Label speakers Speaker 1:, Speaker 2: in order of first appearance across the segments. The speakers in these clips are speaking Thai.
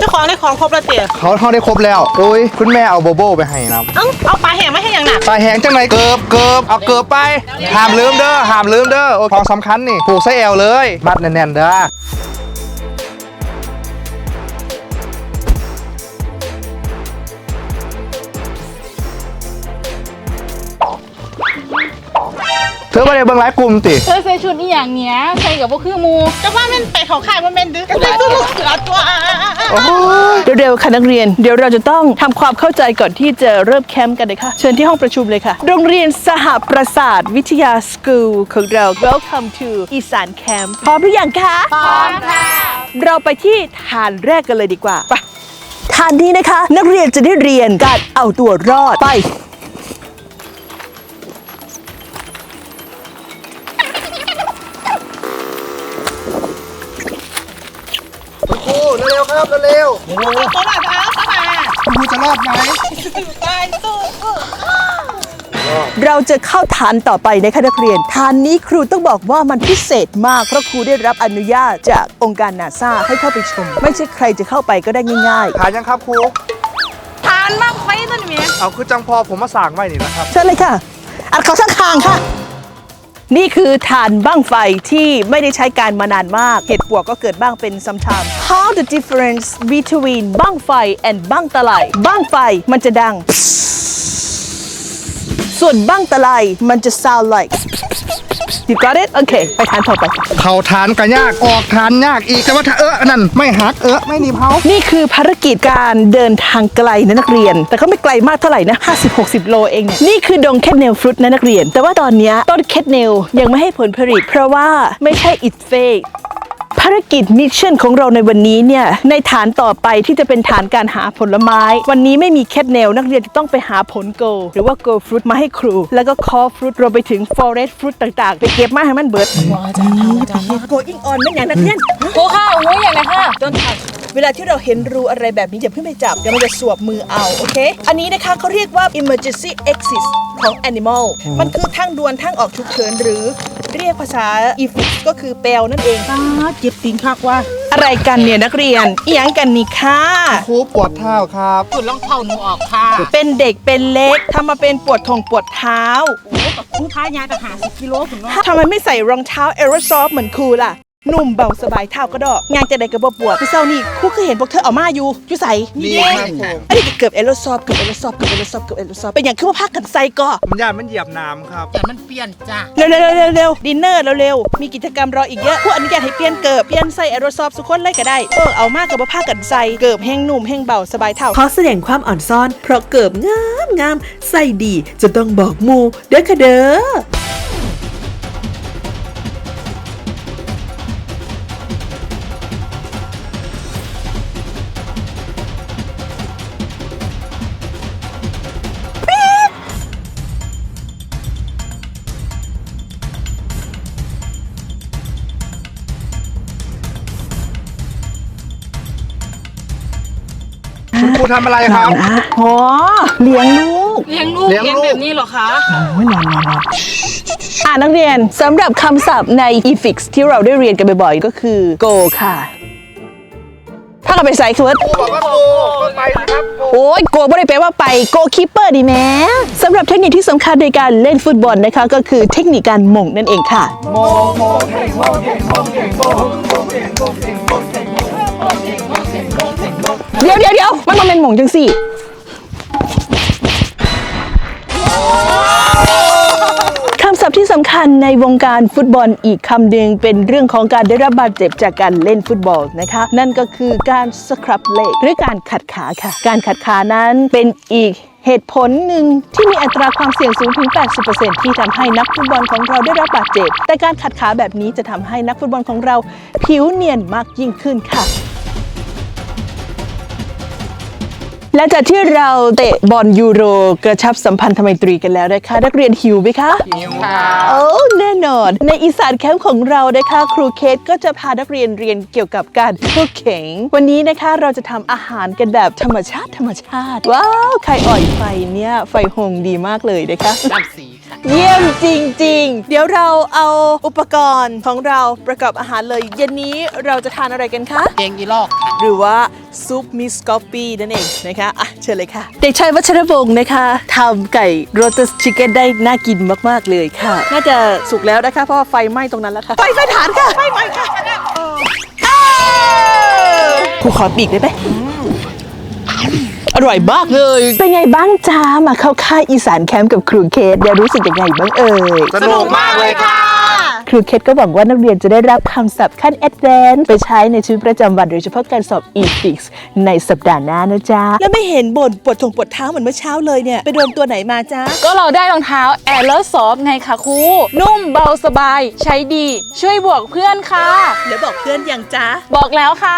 Speaker 1: ของครบแล้วเตี๋ย
Speaker 2: เขาได้ครบแล้วโอ้ยคุณแม่เอาโบโบไปให้นะ
Speaker 1: เอาปลาแห้งไม่ให้อย่างหนัก
Speaker 2: ปลาแห้งจังไหนเกือบเอาเกือบไปห้ามลืมเด้อโอ้ของสำคัญนี่ผูกไส้แอวเลยมัดแน่นๆเด้อเธอมาในเบื้องหลังกลุ่มติ
Speaker 3: เธอใส่ชุดนี่อย่างเนี้ยใส่กับพวกคือมู
Speaker 1: จะว่ามันไปเขาขายว่ามันดื้อก็เลยตัวลูกเสือตัว
Speaker 4: เร็วๆค่ะนักเรียนเดี๋ยวเราจะต้องทำความเข้าใจก่อนที่จะเริ่มแคมป์กันเลยค่ะเชิญที่ห้องประชุมเลยค่ะโรงเรียนสหประสาทวิทยาสกูลของเรา Welcome to อีสานแคมป์พร้อมหรือยังคะ
Speaker 3: พร้อมค่ะ
Speaker 4: เราไปที่ฐานแรกกันเลยดีกว่าไปฐานนี้นะคะนักเรียนจะได้เรียนการเอาตัวรอดไป
Speaker 2: เร็วครับเร็ว
Speaker 1: ตัวหน่อยเอาเข้ามา
Speaker 2: คุณครูจะรอดไหม
Speaker 1: ตายตู้
Speaker 4: เราจะเข้าฐานต่อไปนะคะนักเรียนฐานนี้ครูต้องบอกว่ามันพิเศษมากเพราะครูได้รับอนุญาตจากองค์การนาซาให้เข้าไปชมไม่ใช่ใครจะเข้าไปก็ได้ง่าย
Speaker 2: ๆฐานยังครับครู
Speaker 1: ฐานมากไฟต้นนี้
Speaker 2: เอาคือจังพอผมมาสั่งไว้นี่นะครับ
Speaker 4: เชิญเลยค่ะอัดเขาสักคางค่ะนี่คือฐานบั้งไฟที่ไม่ได้ใช้การมานานมากเหตุปวกก็เกิดบ้างเป็น sometimes How the difference between บั้งไฟ and บั้งตะไลบั้งไฟมันจะดังส่วนบั้งตะไลมันจะ sound like You got it? โอเคไปฐานต่อไป
Speaker 2: เข้าฐานก็ยากออกฐานยากอีกแต่ว่าถ้านั่นไม่หักไม่หนีเผา
Speaker 4: นี่คือภารกิจการเดินทางไกลนะนักเรียนแต่ก็ไม่ไกลมากเท่าไหร่นะ50-60 โลเองเนี่ยนี่คือดงแคทเนลฟรุตนะนักเรียนแต่ว่าตอนนี้ต้นแคทเนลยังไม่ให้ผลผลิตเพราะว่าไม่ใช่อิฐเฟกภารกิจมิชชั่นของเราในวันนี้เนี่ยในฐานต่อไปที่จะเป็นฐานการหาผลไม้วันนี้ไม่มีแคทเนลนักเรียนจะต้องไปหาผลโกหรือว่าโกฟรุตมาให้ครูแล้วก็คอฟรุตรวมไปถึงฟอเรสต์ฟรุตต่างๆไปเก็บมาให้มันเบิดโกอิงออนไม่อย่างนักเรียน
Speaker 3: โอ้ค่ะโอ้ยอย่างไรค่ะ
Speaker 4: ต้นถัดเวลาที่เราเห็นรูอะไรแบบนี้อย่าเพิ่งไปจับเดี๋ยวมันจะสวบมือเอาโอเคอันนี้นะคะเขาเรียกว่า emergency exit ของ animal มันคือทางด่วนทางออกฉุกเฉินหรือเรียกภาษาอีฟิกก็คือเปลนั่นเอง
Speaker 1: เจ็บตีนคักว่า
Speaker 4: อะไรกันเนี่ยนักเรียนอีหยังกันนี่ค่ะ
Speaker 2: ครูปวดเท้าครับ
Speaker 1: ปวดรองเท้าหนูออกค่ะ
Speaker 4: เป็นเด็กเป็นเล็กทำมาเป็นปวดทงปวดเท้า
Speaker 1: โอ้กับครูพายายต่างหา10 กิโลถึงว่า
Speaker 4: ทำไมไม่ใส่รองเท้าแอโรซอฟเหมือนครูล่ะนุ่มเบาสบายเท้าก็ดอกงานจะได้กระบอกปวดพี่เศร้านี่ครูเคยเห็นพวกเธอเอามาอยู่ใส่
Speaker 2: นี่
Speaker 4: อันนี้เกือบแอโรซอฟเป็นอย่างคือว่าพักกันใส่ก็
Speaker 2: มันเหยียบน้ำครับ
Speaker 1: แต่มันเปลี่ยนจ้ะ
Speaker 4: เร็วดินเนอร์เร็วมีกิจกรรมรออีกเยอะผู้อนุญาตให้เปลี่ยนเกิบเปลี่ยนใส่แอโรซอฟสุขคนไล่ก็ได้เอามากกับว่าพักกันใส่เกิบแห้งนุ่มแห้งเบาสบายเท้า
Speaker 5: ขอแสดงความอ่อนซ่อนเพราะเกิบงามใส่ดีจะต้องบอกมูเด้อค่ะเด้อ
Speaker 2: คุณครูทำอะไรครับ
Speaker 4: อ๋อเลี้ยงลูก
Speaker 1: แบบนี้เหรอคะ
Speaker 4: โอ้ยนอนนักเรียนสำหรับคำศัพท์ใน EFIX ที่เราได้เรียนกันบ่อยๆก็คือ go ค่ะถ้าเราไปใส่คือว่า
Speaker 2: บอกว่า go ก็ไปครับ
Speaker 4: โอ้ย go ไม่ได้แปลว่าไป go keeper ดีแม้สำหรับเทคนิคที่สำคัญในการเล่นฟุตบอลนะคะก็คือเทคนิคการหม่งนั่นเองค่ะเดี๋ยวมันเป็นหม่งจังสิคำศัพท์ที่สำคัญในวงการฟุตบอลอีกคำหนึ่งเป็นเรื่องของการได้รับบาดเจ็บจากการเล่นฟุตบอลนะคะนั่นก็คือการสครับเล็กหรือการขัดขาค่ะการขัดขานั้นเป็นอีกเหตุผลหนึ่งที่มีอัตราความเสี่ยงสูงถึง 80% ที่ทำให้นักฟุตบอลของเราได้รับบาดเจ็บแต่การขัดขาแบบนี้จะทำให้นักฟุตบอลของเราผิวเนียนมากยิ่งขึ้นค่ะและจากที่เราเตะบอลยูโรกระชับสัมพันธไมตรีกันแล้วนะคะนักเรียนหิวไหมคะ
Speaker 2: หิวค่ะ
Speaker 4: โอ้แน่นอนในอีสานแคมป์ของเรานะคะครูเคทก็จะพานักเรียนเรียนเกี่ยวกับการคุกกิ้งวันนี้นะคะเราจะทำอาหารกันแบบธรรมชาติว้าวไข่อ่อยไฟเนี่ยไฟหงดีมากเลยนะคะ
Speaker 1: น้ำสีค่ะ
Speaker 4: เยี่ยมจริงๆ เดี๋ยวเราเอาอุปกรณ์ของเราประกอบอาหารเลยเย็นนี้เราจะทานอะไรกันคะ
Speaker 1: แกงอีลอกค่ะ
Speaker 4: หรือว่าซุปมิสกอฟฟี่นั่นเองนะคะอ่ะเชิญเลยค่ะ เด็กชายวัชรพงศ์นะคะทำไก่โรตัสชิคเก้นได้น่ากินมากๆเลยค่ะ น่าจะสุกแล้วนะคะเพราะว่าไฟไหม้ตรงนั้นแล้วค่ะ ไฟฐานค่ะไฟไหม้ค่ะครูขอปีกได้ไหมอร่อยมากเลย เป็นไงบ้างจ้ามาเข้าค่ายอีสานแคมป์กับครูเคสเดี๋ยวรู้สึกยังไงบ้างเอ่ย
Speaker 2: สนุกมากเลยค่ะ
Speaker 4: ครูเคสก็หวังว่านักเรียนจะได้รับคำศัพท์ขั้นแอดวานซ์ไปใช้ในชีวิตประจำวันโดยเฉพาะการสอบ e-fix ในสัปดาห์หน้านะจ๊ะ แล้วไม่เห็นบ่นปวดเท้าเหมือนเมื่อเช้าเลยเนี่ย ไปโดนตัวไหนมาจ๊ะ
Speaker 3: ก็เราได้รองเท้าแอร์เลอร์ซอฟไงคะครู นุ่มเบาสบาย ใช้ดี ช่วยบวกเพื่อนค่ะ
Speaker 4: แล้วบอกเพื่อนยังจ๊ะ
Speaker 3: บอกแล้วค่ะ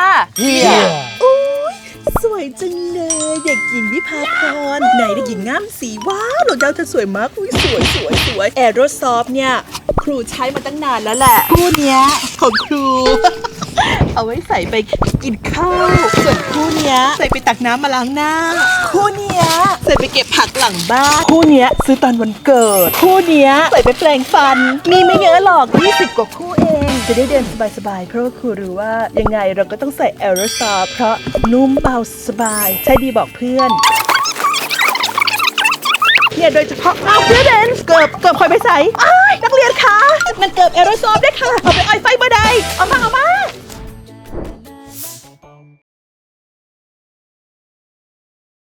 Speaker 4: สวยจังเลยเด็กหญิงวิภาพรไหนเด็กหญิงงามสีว้าวหนูเจ้าเธอสวยมากอุ้ยสวยแอโรซอฟเนี่ยครูใช้มาตั้งนานแล้วแหละคู่เนี้ยของครู เอาไว้ใส่ไปกินข้าวส่วนคู่เนี้ยใส่ไปตักน้ำมาล้างหน้า คู่เนี้ยใส่ไปเก็บผักหลังบ้านคู่เนี้ยซื้อตอนวันเกิด คู่เนี้ยใส่ไปแปรงฟัน มีไม่เยอะหรอก20กว่าคู่เองจะได้เดินสบายๆเพราะว่าครูรู้ว่ายังไงเราก็ต้องใส่แอโรซอฟเพราะนุ่มเบาสบายใช้ดีบอกเพื่อนเนี่ยโดยเฉพาะเอาเพื่อนเกิบคอยไปใส่นักเรียนคะมันเกิบแอโรซอฟได้ค่ะเอาไป